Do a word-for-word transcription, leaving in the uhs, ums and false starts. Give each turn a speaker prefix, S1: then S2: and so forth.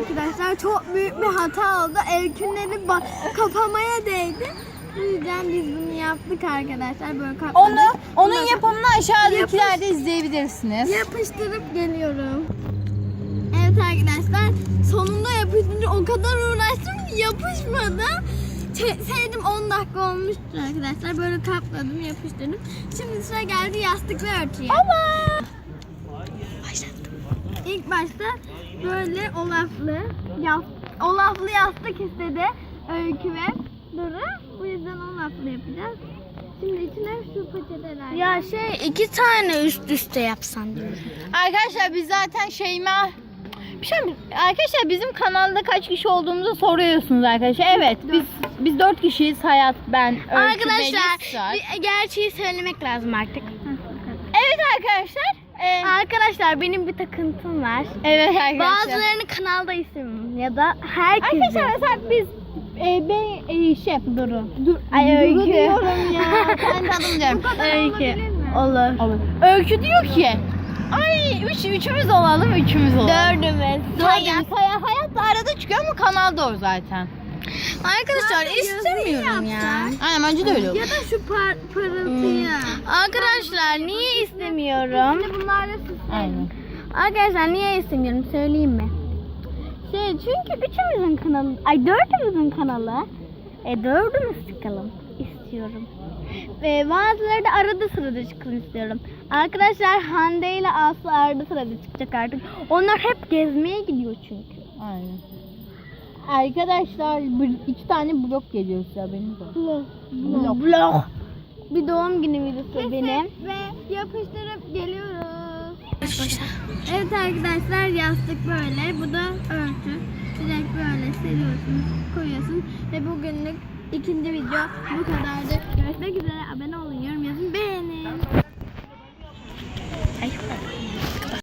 S1: arkadaşlar. Çok büyük bir hata oldu. Elkünleri kapamaya değdi. Bu yüzden biz bunu yaptık arkadaşlar. Böyle kapladık.
S2: Onu, onun
S1: Bunu
S2: yapımını aşağıdakilerde izleyebilirsiniz.
S1: yapıştırıp geliyorum. Evet arkadaşlar. Sonunda yapıştırınca o kadar uğraştım ki yapışmadı. Ç- Sevdim on dakika olmuştu arkadaşlar. Böyle kapladım, yapıştırdım. Şimdi sıra geldi yastık ve örtüye.
S2: Allah!
S1: İlk başta böyle olaflı, yas olaflı yastık istedi Öykü ve Duru. Bu yüzden olaflı yapacağız. Şimdi içine şu peçeteler.
S3: Ya şey iki tane üst üste yapsan diyorum.
S2: Arkadaşlar biz zaten Şeyma... Bir şey mi? Arkadaşlar bizim kanalda kaç kişi olduğumuzu soruyorsunuz arkadaşlar. Evet biz biz dört kişiyiz. Hayat, ben, Öykü,
S3: Arkadaşlar
S2: Melis var.
S3: bir gerçeği söylemek lazım artık.
S2: Evet arkadaşlar. Ee,
S3: Arkadaşlar benim bir takıntım var.
S2: evet arkadaşlar.
S3: Bazılarını kanalda istemiyorum ya da herkesi.
S2: Arkadaşlar mesela biz e, ben e, şey Duru.
S3: Dur,
S2: Ay
S3: Duru
S2: Öykü.
S3: diyorum ya.
S2: Ben de adını diyorum.
S3: Öykü.
S1: Olur.
S3: Olur.
S2: Öykü diyor ki ay üç, üçümüz olalım üçümüz olalım.
S3: Dördümüz.
S2: Hayat. Hayat, hayat da arada çıkıyor ama kanalda o zaten.
S3: Arkadaşlar
S1: Zaten
S3: istemiyorum
S1: yazıyı
S3: ya.
S1: yapsak.
S2: Aynen bence de öyle olur.
S1: Ya da şu par parıltıyı.
S3: Arkadaşlar niye istemiyorum?
S1: Şimdi bunlarla süsleyelim.
S2: Aynen.
S3: Arkadaşlar niye istemiyorum söyleyeyim mi? Şey çünkü üçümüzün kanalı, ay dördümüzün kanalı. E dördümüz çıkalım istiyorum. Ve bazıları da arada sırada çıkalım istiyorum. Arkadaşlar Hande ile Aslı arada sırada çıkacak artık. Onlar hep gezmeye gidiyor çünkü.
S2: Aynen. Arkadaşlar bir, iki tane blok geliyor size haberiniz olsun.
S3: Blok. Blok. Bir doğum günü videosu benim.
S1: Ve yapıştırıp geliyoruz. Evet arkadaşlar yastık böyle. Bu da örtü. Direkt böyle seriyorsunuz, koyuyorsunuz. Ve bugünlük ikinci video bu kadardı. Görüşmek üzere. Abone olun, yorum yazın, beğenin.